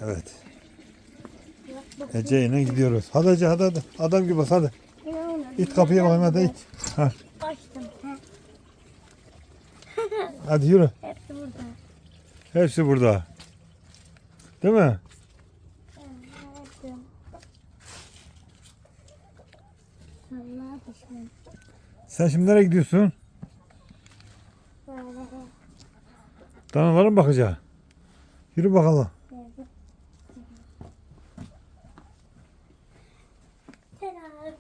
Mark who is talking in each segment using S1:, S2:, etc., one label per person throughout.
S1: Evet. Ece ile gidiyoruz. Hadi Ece hadi. Adam gibi bas hadi. İt kapıya bakayım hadi it. Ha.
S2: Açtım.
S1: Hadi yürü.
S2: Hepsi burada.
S1: Hepsi burada. Değil mi?
S2: Evet. Allah düşman.
S1: Sen şimdi nereye gidiyorsun?
S2: Böyle.
S1: Danalara mı bakacaksın? Yürü bakalım.
S2: Selam.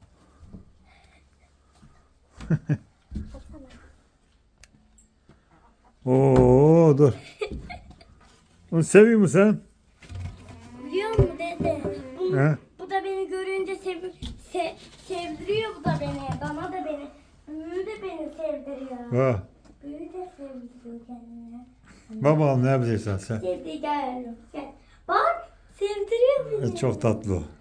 S1: Oo dur. Onu seviyor musun sen?
S2: Biliyor musun dede?
S1: He?
S2: Bu da beni görünce sevdiriyor bu da beni. Bana da beni. Büyü de beni sevdiriyor.
S1: Ha.
S2: Büyü de sevdiriyor kendine.
S1: Bakalım ne yapacaksın sen?
S2: Sevdi gel. Gel. Bak sevdiriyor beni.
S1: Çok tatlı o.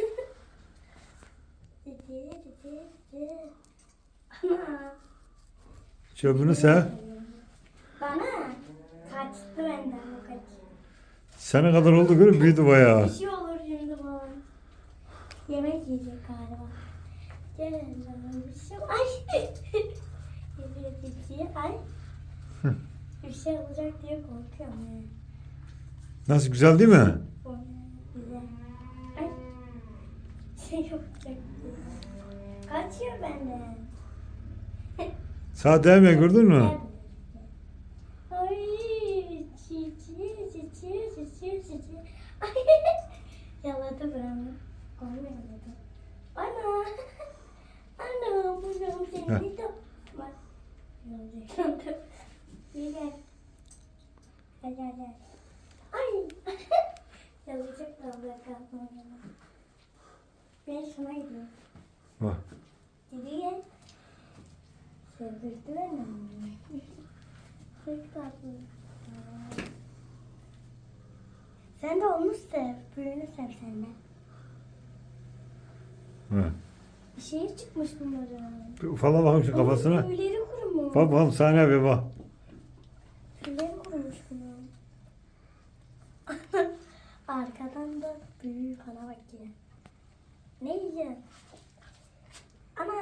S2: Ana.
S1: Çöpünü sev.
S2: Bana kaçtı benden o kaç.
S1: Sene kadar oldu görüyor büyüdü bayağı.
S2: Bir şey olur şimdi bana. Yemek yiyecek galiba. Gel lan bir şey. Ay. Geliyor tepsiye. Ay. Bir şey olacak diye korkuyorum yani.
S1: Nasıl güzel değil mi?
S2: Güzel. Ay. Şey yapacak diye. Kaçıyor benden.
S1: Sağ değmiyor gördün mü?
S2: Ay. Çiçi. Ay. Yaladı buramı. Onu yaladı. Ana. Ana. Bu yolu seni de. Bak. Yaladı. İyi gel. Gel. Ay. Yalayacak da bırakalım. Ben şuna gidiyorum.
S1: Bak.
S2: Geri gel. Sevdirdi beni. Çok tatlı. Sen de onu sev. Büyüğünü sev sen de.
S1: Ha.
S2: Bir şey çıkmış bunların.
S1: Bir ufala bakayım şu kafasına.
S2: Tüyleri kurumuş.
S1: Bak bakalım saniye bir bak.
S2: Tüyleri kurumuş bunun. Arkadan da büyüğü bana bakıyor. Ne yiyeceksin? Ana.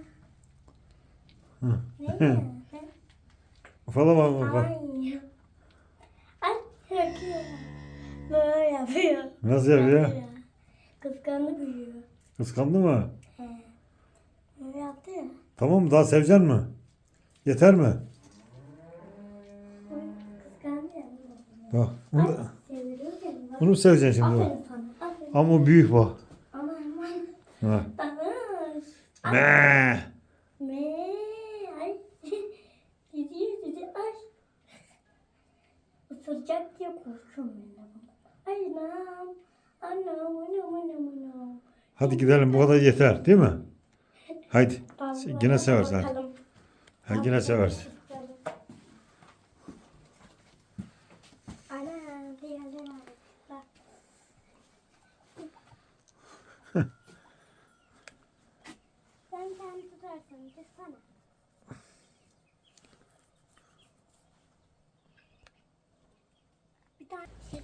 S1: Hı.
S2: Ne yiyeceksin?
S1: Ufala bak bak.
S2: Ay. Ay yapıyor. Böyle yapıyor.
S1: Nasıl yapıyor?
S2: Kıskandı büyüyor.
S1: Kıskandı mı?
S2: He. Böyle yaptı ya.
S1: Tamam mı? Daha sevecek mi? Yeter mi?
S2: Kıskandı ya.
S1: Bak. Onu,
S2: Seviliyor seni. Bak.
S1: onu mu seveceksin şimdi bak.
S2: Aferin sana. Aferin.
S1: Ama o büyük bak.
S2: Aman.
S1: Ha.
S2: Aman.
S1: Me.
S2: Me. Ay. Gidiyor. Ay. Isıracak diye korkuyorum ben de. Ay anam.
S1: Hadi gidelim bu kadar yeter değil mi? Haydi. Yine seversin. Hadi.
S2: Bakalım.
S1: Ha, yine seversin.
S2: Ana diğerleri var. Bak. Sen tutarsın. Tutsana. Bir tane. İki.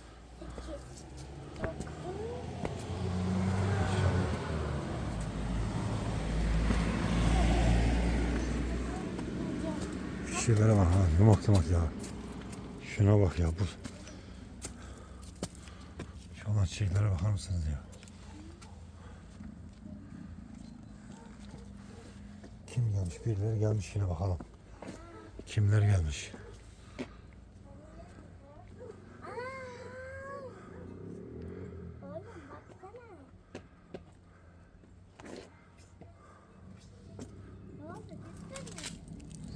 S1: Şu şeylere bak ha. Yumak ya. Şuna bak ya. Bu. Şu olan çiçeklere bakar mısınız ya? Kim gelmiş? Birileri gelmiş yine bakalım. Kimler gelmiş?
S2: Oğlum baksana. Ne oldu? Düştün mü?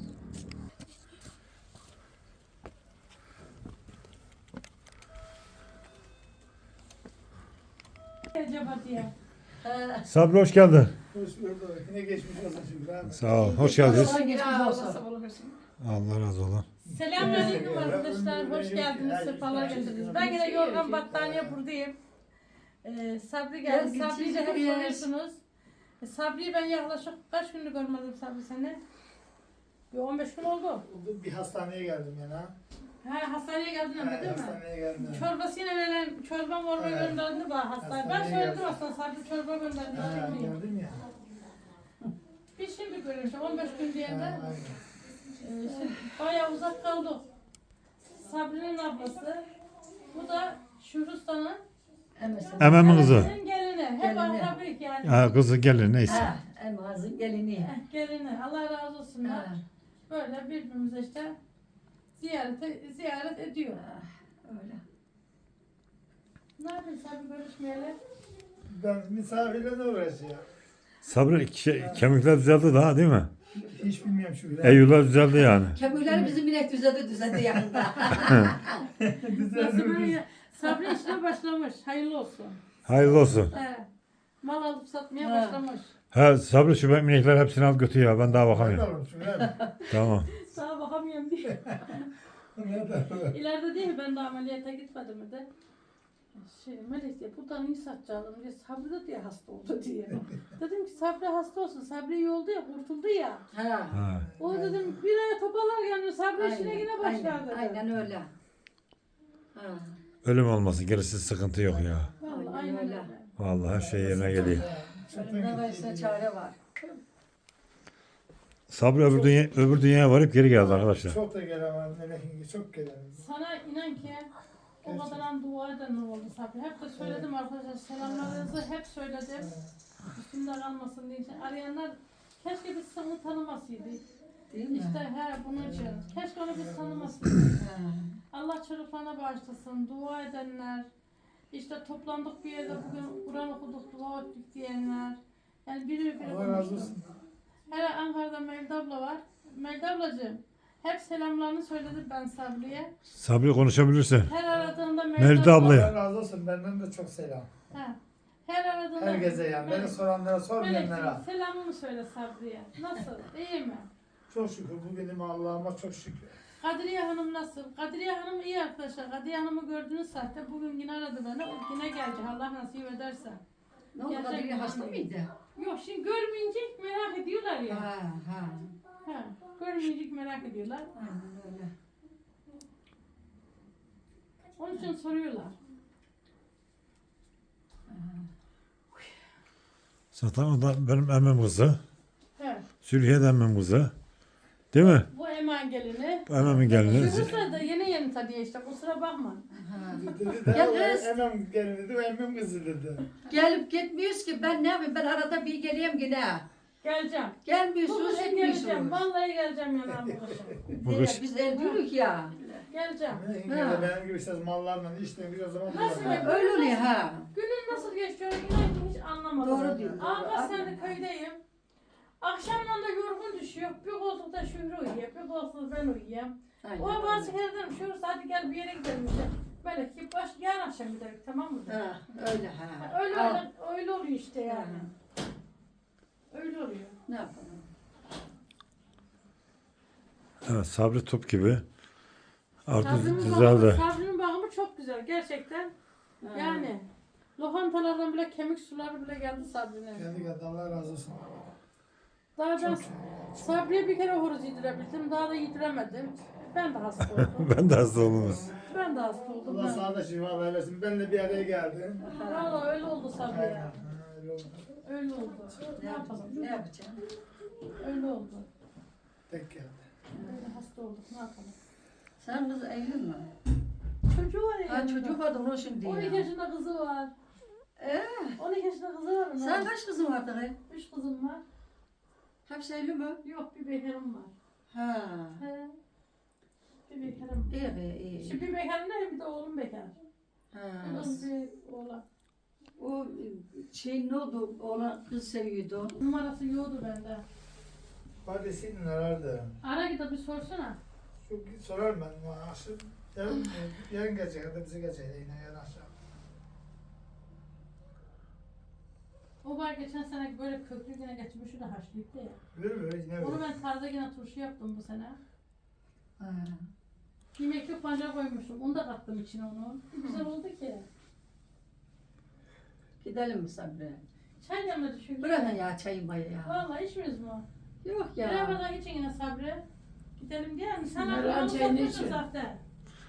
S3: Acaba diye.
S1: Sabri hoş geldin.
S4: Hoş bulduk. Yine geçmiş olsun Şükrü abi.
S1: Sağ ol. Hoş geldiniz.
S3: Allah
S1: Allah razı olsun.
S3: Selamünaleyküm arkadaşlar. Hoş geldiniz. Sefalar getirdiniz. Ben yine yorgan battaniye buradayım. Sabri geldi. Sabri'yi de hep soruyorsunuz. Sabri'yi ben yaklaşık kaç gündür görmedim Sabri seni? Bir 15 gün oldu.
S4: Bir hastaneye geldim yani ha.
S3: Ha, hastaneye geldin ama değil mi?
S4: Hastaneye geldim.
S3: Çorbasıyla veren çorba morba
S4: Evet.
S3: gönderdi bana hastaneye. Ben
S4: Hastaneye
S3: söyledim
S4: geldim.
S3: aslında sadece çorba gönderdi.
S4: Ha,
S3: Şimdi.
S4: gördün ya.
S3: Biz şimdi görüyoruz 15 gün diye de
S4: Ha, aynen.
S3: şimdi bayağı uzak kaldık. Sabri'nin ablası. Bu da Şurustan'ın
S1: Ememin kızı.
S3: gelini. Hep
S5: Gelini.
S3: akrabik yani.
S1: Ha, kızı gelin neyse.
S5: Ha, Elmaz'ın gelini.
S3: Gelini. Allah razı olsunlar.
S5: Ha,
S3: Böyle birbirimize işte ziyaret ediyor.
S5: öyle.
S3: Ne yapayım Sabri görüşmeyeli?
S4: Ben misafirle uğraşıyorum.
S1: Sabri kemikler düzeldi daha değil mi?
S4: Hiç bilmiyorum şu bile.
S1: Eyyular düzeldi yani.
S5: Kemikleri bizim inek düzeldi yakında.
S3: Nasıl böyle Sabri işine başlamış. Hayırlı olsun.
S1: Hayırlı olsun.
S3: He. Mal alıp satmaya
S5: Ha.
S3: başlamış.
S1: Ha Sabri şu inekler hepsini al götür ya ben daha bakamıyorum.
S4: Bakalım şuraya.
S1: Tamam.
S3: Daha bakamıyorum diye. İleride değil mi? Ben de ameliyata gitmedim mi de. Melek diye buradan iyi satacağım diye Sabri de diye hasta oldu diye. Dedim ki Sabri hasta olsun. Sabri iyi oldu ya kurtuldu ya.
S5: Ha.
S1: Ha.
S3: O dedim bir aya toparlar yani Sabri işine yine başlar dedim.
S5: Aynen öyle. Ha.
S1: Ölüm olmasın gerisi sıkıntı yok ya.
S3: Vallahi
S5: Aynen
S3: aynen
S5: öyle.
S3: öyle.
S1: Vallahi her şey yerine geliyor.
S5: Ölümden gayrısına çare var.
S1: Sabri öbür dünyaya varıp geri geldi arkadaşlar.
S4: Çok da gelemem. Melek'in çok gelemem.
S3: Sana inan ki o kadar dua eden oldu Sabri. Hep de söyledim arkadaşlar selamlarınızı hep söyledim. Üstümde kalmasın diye. Arayanlar keşke biz seni tanımasaydık.
S5: Değil mi?
S3: İşte bunun için. Keşke onu biz tanımasaydık.
S5: Ha.
S3: Allah çocuklarına bağışlasın. Dua edenler. İşte toplandık bir yerde bugün Kur'an okuduk, dua ettik diyenler. Yani biri
S4: Allah razı
S3: konuştu.
S4: olsun.
S3: Hele Ankara'da Melda abla var. Melda ablacığım hep selamlarını söyledim ben Sabri'ye.
S1: Sabri konuşabilirsin.
S3: Her aradığında
S1: Melda ablaya.
S4: Allah razı olsun. Benden de çok selam.
S3: Ha. Her aradığında
S4: Herkese yani. Beni soranlara sormayanlara.
S3: Melek'ciğim selamımı söyle Sabri'ye. Nasıl? İyi mi?
S4: Çok şükür. Bugünüm Allah'ıma çok şükür.
S3: Kadriye Hanım nasıl? Kadriye Hanım iyi arkadaşlar. Kadriye Hanım'ı gördünüz zaten. Bugün yine aradı beni. O yine gelecek Allah nasip ederse.
S5: Ne oldu?
S3: Gerçekten
S5: Kadriye hasta mıydı?
S3: Yok şimdi görmeyince merak ediyorlar ya.
S5: Ha, ha.
S3: Ha, görmeyince merak ediyorlar.
S5: Aynen öyle.
S3: Onun için soruyorlar.
S1: Zaten o da benim emmim kızı.
S3: Evet.
S1: Zülhiye de emmim kızı. Değil mi?
S3: Bu Eman gelini.
S1: Emmimin gelini.
S3: Şu da yeni tabii işte kusura bakma.
S5: Ha.
S4: Dedi de
S5: Ya
S4: o
S5: kız.
S4: emmem gelin dedi. O emmem kızı dedi.
S5: Gelip gitmiyoruz ki ben ne yapayım? Ben arada bir geleyim yine.
S3: Geleceğim. Bu
S5: Gelmiyorsunuz,
S3: kışın geleceğim.
S5: gitmiyorsunuz.
S3: Vallahi geleceğim yanına bu kışın.
S1: Bu kış
S5: Biz evlilik ya.
S3: Geleceğim.
S5: Ha.
S4: Benim gibi işte mallarla işten güzel zaman
S3: Nasıl
S4: kullanıyorum.
S3: ya?
S5: Öyle oluyor ha.
S3: Günün nasıl geçiyor inan ki hiç anlamadım.
S5: Doğru diyor.
S3: Aa kaç senedir köydeyim. Akşamdan da yorgun düşüyor. Bir koltukta Şükrü uyuyor. Bir koltukta ben uyuyayım.
S5: Aynen
S3: O
S5: öyle.
S3: bazı kere dedim Şükrü hadi gel bir yere gidelim işte. Böyle ki yarın akşam gidelim tamam mı?
S5: Ha, öyle ha.
S3: Öyle,
S5: Al.
S3: öyle oluyor işte yani. Öyle oluyor.
S5: Ne yapalım?
S1: evet, Sabri top gibi. Artık
S3: Sabri'nin
S1: düzeldi.
S3: Sabri'nin bakımı çok güzel gerçekten.
S5: Ha.
S3: Yani lokantalardan bile kemik suları bile geldi Sabri'nin.
S4: Geldi geldi Allah razı olsun.
S3: Daha ben Sabri'ye bir kere horoz yedirebildim. Daha da yediremedim. Ben de hasta oldum.
S1: Ben de hasta oldum.
S3: Ben de hasta oldum.
S4: Allah sana da şifa versin. Benle bir araya geldin.
S3: Valla öyle oldu Sabri'ye.
S4: Aynen. Ha, öyle oldu.
S3: Öyle oldu.
S5: Ne yapalım? Ne yapacağım?
S3: Öyle oldu.
S4: Tek geldi.
S3: Öyle hasta olduk. Ne yapalım?
S5: Sen kız evli mi?
S3: Çocuğu var ya.
S5: Ha
S3: yanında.
S5: çocuk vardı onu şimdi
S3: 12
S5: ya.
S3: yaşında kızı var. 12 yaşında kızı var mı?
S5: Sen kaç kızın vardı kız?
S3: 3 kızım var.
S5: Hepsi evli mi?
S3: Yok bir bekarım var.
S5: Ha.
S3: He. Bir bekarım.
S5: İyi iyi.
S3: Şimdi bir bekarım ne bir de oğlum bekar.
S5: Ha.
S3: Kızım bir oğlan.
S5: O şey ne oldu? Oğlan kız seviyordu.
S3: Numarası yoktu bende.
S4: Hadi senin nerede?
S3: Ara gidip bir sorsana.
S4: Şu sorar ben akşam. Yarın gelecek ya da bize gelecek yine yarın akşam.
S3: O var geçen sene böyle köklü yine getirmiş de haşlayıp ya.
S4: Verir yine
S3: Onu
S4: verir.
S3: ben tarzda yine turşu yaptım bu sene.
S5: Ha.
S3: Yemekli pancar koymuştum. Onu da kattım içine onu. Güzel oldu ki.
S5: Gidelim mi Sabri?
S3: Çay yanına düşün.
S5: Bırakın ya çayı mayı ya.
S3: Vallahi içmiyoruz mu?
S5: Yok ya.
S3: Beraber için yine Sabri. Gidelim diye mi? Sen
S5: Meral
S3: onu
S5: çayını
S3: satmışsın
S5: için.
S3: zaten.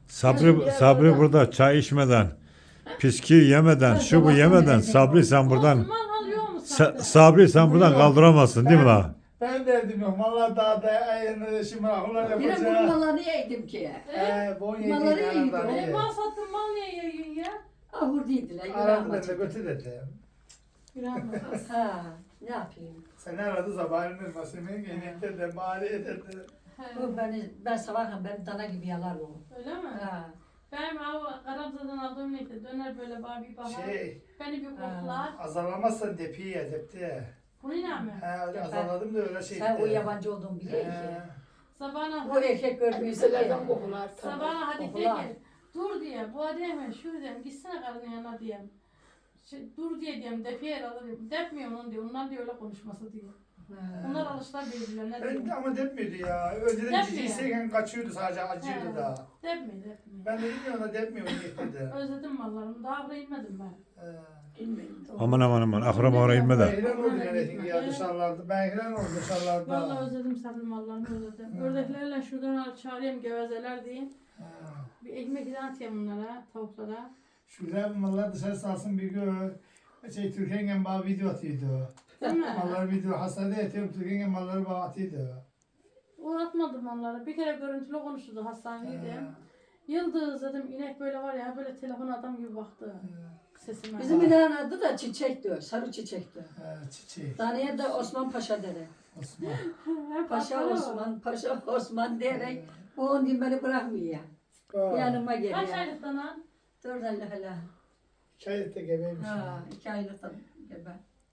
S1: Sabri burada çay içmeden, piski yemeden, şu bu yemeden Sabri sen buradan
S3: Osman alıyor mu Sabri?
S1: Sabri sen buradan kaldıramazsın değil mi la?
S4: Ben derdim yok. Valla daha da ayını şimdi akıllar
S5: Bir de bunun
S4: yapacağım.
S5: mallarını yedim ki.
S4: Bu
S5: Malları
S4: yedi
S5: iyiydi.
S4: yanımdan
S3: Mal sattın mal niye yiyorsun ya?
S5: Ahur değildiler.
S4: Aradı ben de götür dedim.
S3: Günah mı?
S5: Ha, ne yapayım?
S4: Sen aradı sabahın ırmasını genellikle de mali dedi.
S3: He.
S5: Bu ben sabahın ben dana gibi yalar o.
S3: Öyle mi?
S5: Ha.
S3: Benim Karabza'dan aldığım neydi? Döner böyle bana bir bahar. Beni bir koklar.
S4: Azalamazsan depiye depti.
S3: Bu ne mi?
S4: He öyle azaladım da öyle şey.
S5: Sen o yabancı olduğunu biliyor ki.
S3: Sabahına
S5: Bu erkek görmüyorsa
S6: Nelerden kokular tabii.
S3: Sabahına hadi
S5: Kokular.
S3: gel. Dur diye. Bu ademe şu diyeyim. Gitsene karının yanına diyeyim. Dur diye diyeyim. Defiye alayım. Depmiyor onu diyor. Ondan diyor öyle konuşması diyor. Onlar alışlar birbirlerine
S4: Ben
S3: diyor.
S4: ama depmiyordu ya. Önceden
S3: Depmiyor.
S4: ciciyseyken kaçıyordu sadece acıyordu
S3: He.
S4: da.
S3: Depmiyor.
S4: Ben dedim ya ona depmiyor dedi.
S3: Özledim mallarımı. Daha buraya inmedim ben.
S6: Bilmiyorum.
S1: Aman akrama oraya inme de.
S4: Ben oldu yani ya dışarılarda. Ben hilen oldu
S3: Vallahi
S4: dışarılarda.
S3: özledim sabri mallarımı özledim. Ördeklerle şuradan çağırayım gevezeler diyeyim. Bir ekmek ile atayım bunlara, tavuklara.
S4: Şurada mallar dışarı salsın bir gün. Türkiye'nin bana video atıyordu.
S3: Değil mi?
S4: Mallar video hastanede yatıyorum. Türkiye'nin malları bana atıyordu.
S3: O atmadı malları. Bir kere görüntülü konuştu hastanede. Yıldız dedim inek böyle var ya böyle telefona adam gibi baktı sesime.
S5: Bizim ineğin adı da çiçekti. Sarı çiçekti.
S4: Çiçek.
S5: Daneye de Osman Paşa dedi.
S4: Osman.
S5: Paşa Osman, Paşa Osman diyerek bu on gün beni bırakmıyor. Yanıma
S3: Kaç
S5: geliyor.
S3: aylıktan lan?
S5: 4 aylık hala.
S4: Şahit de gebeymiş.
S5: Ha, 2 aylıktan gebe.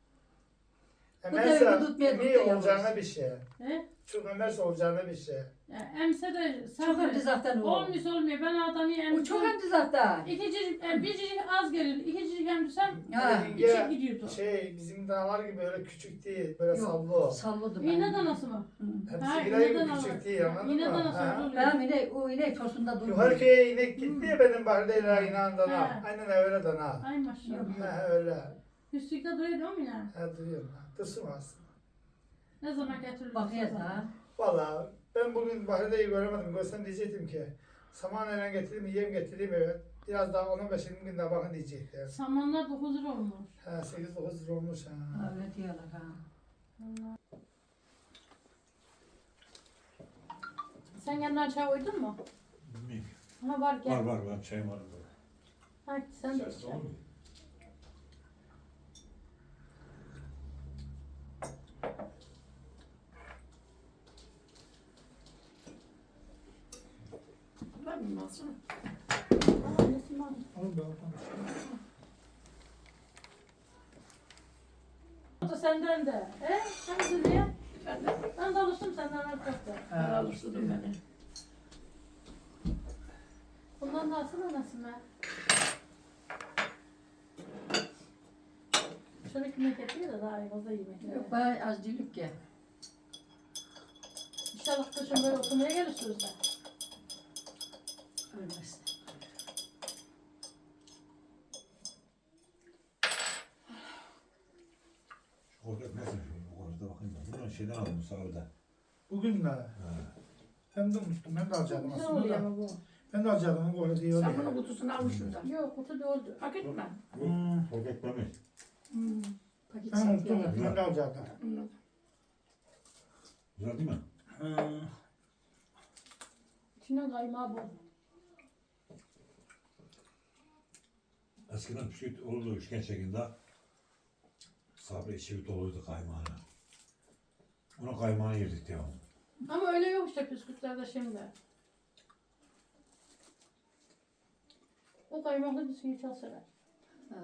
S5: Bu
S4: Emerse
S5: da tutmaya
S4: iyi
S5: tuttu
S4: olacağına
S5: yalnız.
S4: bir şey.
S3: He?
S4: Çok emerse olacağına bir şey.
S3: Ya, emse de
S5: Çok
S3: sabri.
S5: hemdizaktan o.
S3: Olmuyor olmuyor. Ben adamı
S5: O
S3: emsem.
S5: çok hemdizaktan.
S3: Bir cicik az gelir. İki cicik emsem
S5: Ha.
S3: içi gidiyordu.
S4: Bizim danalar gibi öyle küçük değil. Böyle
S5: Yok,
S4: sallı.
S5: salladı
S3: İğne
S5: ben.
S3: danası mı? Ha,
S4: Hepsi
S3: iğne
S4: gibi
S3: danası.
S4: küçük değil anladın
S3: İğne
S4: mı?
S3: danası
S4: Ha.
S3: oluyor.
S5: Ben inek, o inek tosunda
S4: Yukarı
S5: durmuyor.
S4: köye inek gitti ya benim bahçeyle inan dana.
S3: Ha.
S4: Aynen öyle dana.
S3: Ay maşallah.
S4: Ha öyle.
S3: Üstlükte duruyor değil mi ya?
S4: Ha duruyorum. Tırsım aslında.
S3: Ne zaman getirir?
S5: Bakıyor da.
S4: Valla ben bugün bahçeyi göremedim. Görsem diyecektim ki samanla getireyim, yem getireyim evet. Biraz daha 15-20 gün daha bakın diyecekler.
S3: Samanlar 9 lira olmuş.
S4: Ha 8-9 lira olmuş ha.
S5: Öyle diyorlar ha.
S3: Sen kendine çay koydun mu? Ha var gel.
S1: var çayım var.
S3: Hadi sen de iç.
S6: Ben bilmezsin.
S4: Oğlum ben oradan
S3: O da senden de. Sen Zülfiye? Ben de alıştım senden arkadaşlar.
S6: Ben alıştırdım beni.
S3: Bundan da alsana Nasime. Şöyle yemek yapıyor da daha iyi fazla yemek.
S5: Yok bana az dilip ki.
S3: İnşallah kışın böyle oturmaya gelirsiniz de.
S5: Ölmez.
S1: Orada nasıl? Orada bakayım ben. Bunu şeyden aldım sağda.
S4: Bugün mü? Ben de unuttum. Ben de alacaktım
S3: Güzel
S4: aslında
S3: oluyor
S4: da.
S3: ama bu.
S4: Ben de alacaktım. O öyle değil
S6: Sen bunun
S4: öyle.
S6: kutusunu almış şuradan.
S3: Yok kutu doldu.
S6: Paket mi?
S1: Orada ekmeğimiz.
S5: Paket
S4: Ben unuttum.
S5: satıyor.
S4: Ben de alacaktım.
S6: Anladım.
S1: Güzel değil mi?
S3: İçine kaymağı bol.
S1: Eskiden bisküvit olurdu üçgen şeklinde. Sabri içi doluydu kaymağına. Ona kaymağını yedik devamlı.
S3: Ama öyle yok işte bisküvitlerde şimdi. O kaymaklı bisküvi çok sever.
S5: Ha.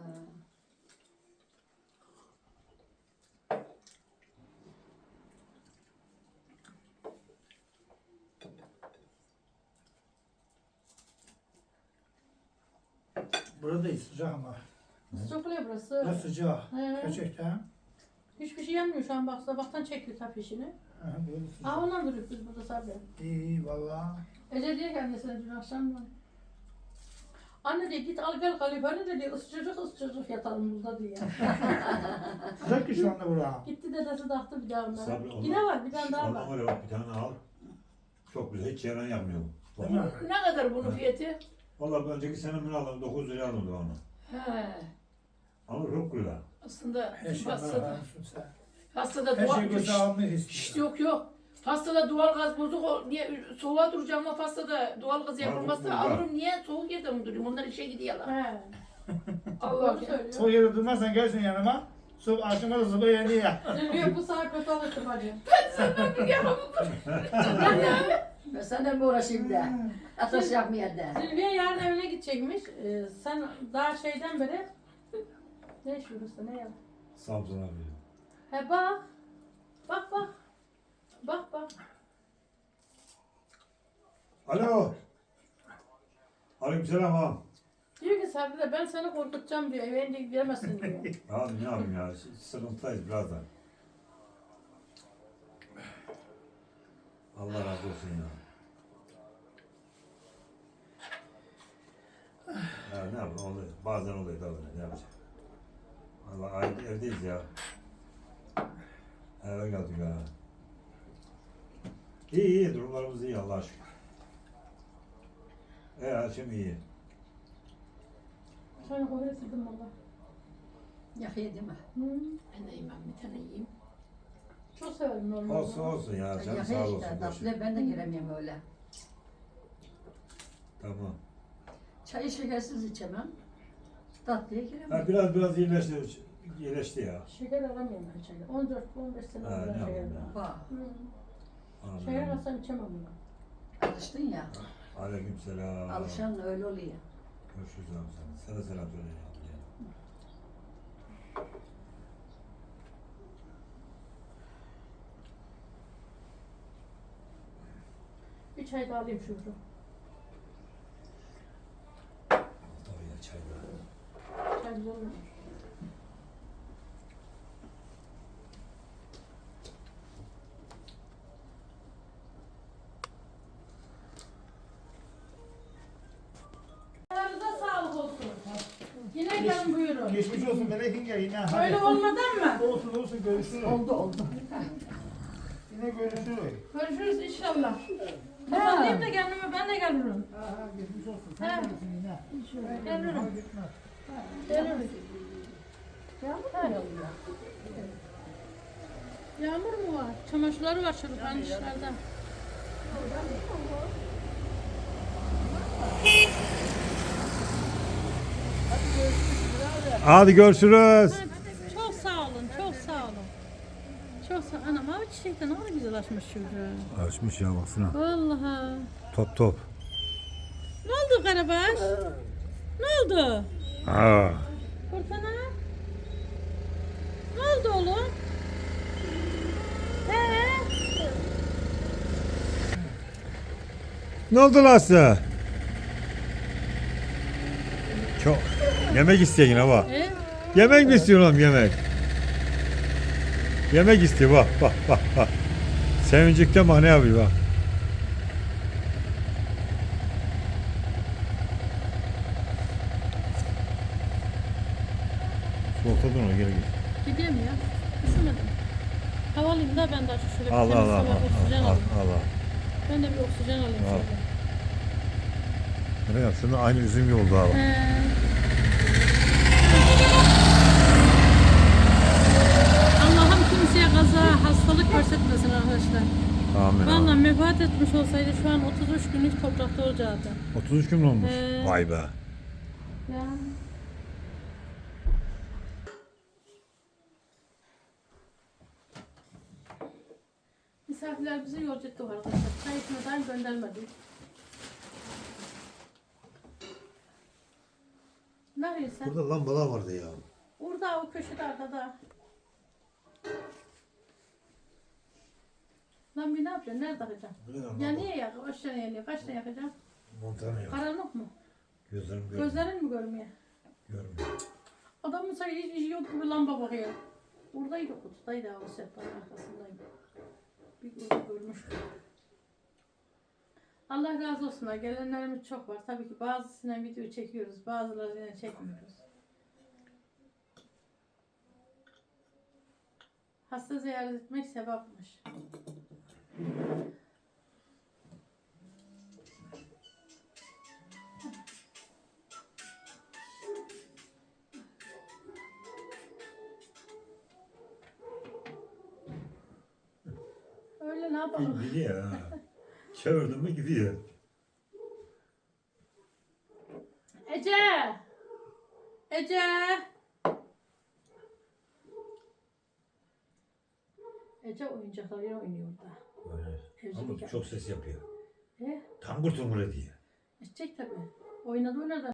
S4: Burada değil sıcak ama.
S3: Sıcak oluyor burası.
S4: Burası sıcak.
S3: He.
S4: Gerçekten.
S3: Hiçbir şey yanmıyor şu an bak sabahtan çekiyor tap işini.
S4: Ha, burada sıcak.
S3: Aa ondan duruyoruz biz burada sabri.
S4: İyi valla.
S3: Ece diyor ki annesine dün akşam anne diyor git al gel kalifane de diyor ısıcacık yatalım burada diyor.
S4: Sıcak ki şu anda bura.
S3: Gitti dedesi taktı bir daha onlara.
S1: Sabri, ondan-
S3: Yine var bir tane daha
S1: Ondan
S3: var.
S1: var ya bak bir tane al. Çok güzel hiç yaran yapmıyor bu.
S4: Değil mi?
S6: Ne kadar bunun fiyatı?
S1: Valla önceki sene ben aldım 9 liraya aldım onu.
S6: He.
S1: Ama çok güzel.
S6: Aslında
S4: Her şey
S6: hastada,
S4: almışsın sen.
S6: hastada
S4: Her
S6: doğal...
S4: şey göze almayı
S6: Şşt,
S4: istiyor.
S6: yok yok. Hastada doğal gaz bozuk. Niye soğuğa duracağım ama hastada doğal gaz yapılmazsa
S1: Ha, bu-
S6: alırım. Niye soğuk yerde mi durayım? Onlar işe gidiyorlar.
S3: He.
S6: Allah
S3: Doğru
S6: ya.
S3: söylüyor.
S4: O yere durmazsan gelsin yanıma. Sob akşama da soba yanıyor ya.
S3: Zülfiye bu saat kötü alıştım hacı.
S5: Ben seninle mi uğraşayım da? Ateş yapmaya da.
S3: Zülfiye yarın evine gidecekmiş. Sen daha şeyden beri... Ne şurası ne ya?
S1: Samsun abi.
S3: He bak. Bak bak. Bak bak.
S1: Alo. Aleykümselam ağam.
S3: Diyor ki Sabri de ben seni korkutacağım diyor. Eve ince gidemezsin diyor.
S1: Abi ne yapayım ya? Sıkıntıdayız birazdan. Allah razı olsun ya. Ya ne yapayım oluyor. Bazen oluyor da oluyor. Ne yapacağım? Allah evdeyiz ya. Eve geldik ha. İyi iyi durumlarımız iyi Allah'a şükür. Her şey iyi.
S3: Sen oraya sildim valla.
S5: Yakıyor değil mi?
S6: Ben de yemem. Bir tane yiyeyim.
S3: Çok severim normalde.
S1: Olsun olsun ya. Canım sağ
S5: Yakıyor
S1: olsun.
S5: işte.
S1: boş ver.
S5: Tatlı ben de giremiyorum öyle.
S1: Tamam.
S5: Çayı şekersiz içemem. Tatlıya giremem.
S1: Ha, biraz iyileşti ya.
S3: Şeker alamıyorum ben çayda. 14-15 sene
S1: Ha,
S3: oldu ben
S1: ne
S3: şeker
S1: yapayım
S3: alamam.
S5: Bak,
S1: Amin.
S3: Şeker alsam içemem bunu.
S5: alıştın ya.
S1: Aleykümselam.
S5: Alışan öyle oluyor.
S1: Görüşürüz abi sana. Sana selam söyle ya.
S3: Bir çay daha alayım şurada.
S1: Tabii ya çay da.
S3: Çay güzel olmuş. Ayağınıza sağlık olsun. Yine gelin buyurun.
S4: Geçmiş olsun melekin gel yine. Hadi.
S3: Öyle olmadan mı?
S4: Olsun olsun görüşürüz.
S5: Oldu.
S4: Yine görüşürüz.
S3: Görüşürüz inşallah. Kapatayım da kendime ben de gelirim.
S4: Geçmiş olsun.
S3: He.
S4: Sen görürsün yine.
S3: Gelirim.
S4: Gitmez.
S3: Gelirim. Yağmur mu var? Çamaşırları var çocukların dışarıda.
S1: Hadi görüşürüz.
S3: Çok sağ olun, çok sağ olun. Çok sağ olun. Anam abi çiçek de ne kadar güzel açmış çocuğu.
S1: Açmış ya baksana.
S3: Vallahi.
S1: Top.
S3: Ne oldu Karabaş? Ne oldu?
S1: Aa.
S3: Fırtına? Ne oldu oğlum?
S1: Ne oldu lan size? Çok. Yemek isteyin ama. Yemek mi istiyorsun oğlum yemek? Yemek istiyor bak. Sevincikten bak ne yapıyor bak. Soğukta durma gel.
S3: Gideyim ya. Üşümedim. Havalıyım da ben daha şöyle bir
S1: Allah
S3: temiz
S1: Allah
S3: hava, oksijen
S1: Allah
S3: alayım.
S1: Allah.
S3: Ben de bir oksijen alayım
S1: Al.
S3: şöyle.
S1: Ne yap? Şunda aynı üzüm gibi oldu abi.
S3: Allah'ım kimseye kaza, hastalık versetmesin arkadaşlar.
S1: Amin.
S3: Vallahi
S1: amin.
S3: vefat etmiş olsaydı şu an 33 günlük toprakta olacaktı.
S1: 33 gün mü olmuş?
S3: He.
S1: Vay be.
S3: Ya. Misafirler bizi yolcu etti arkadaşlar. Çay içmeden göndermedi. Ne arıyorsun sen?
S1: Burada lambalar vardı ya.
S3: Orada o köşede arkada. Lan bir ne yapacaksın? Nerede takacaksın? Ya niye yak? Aşağı yanıyor. Kaçta yakacaksın?
S1: Montana yok.
S3: Karanlık mı?
S1: Gözlerim görmüyor.
S3: Gözlerin mi görmüyor?
S1: Görmüyor.
S3: Adamın sanki hiç işi yok gibi lamba bakıyor. Buradaydı kutudaydı o sehpanın arkasındaydı. Bir görmüştüm. Allah razı olsunlar. Gelenlerimiz çok var. Tabii ki bazısına video çekiyoruz. Bazılarıyla çekmiyoruz. Hasta ziyaret etmek sevapmış. öyle ne yapalım?
S1: Gidiyor ha. Çevirdim mi gidiyor.
S3: Ece! Ece! Ece oyuncaklarıyla oynuyor orada.
S1: Öyle.
S3: Evcilik
S1: Ama çok ses yapıyor.
S3: He?
S1: Tangır tungur ediyor.
S3: Edecek tabii. Oynadı oynadı.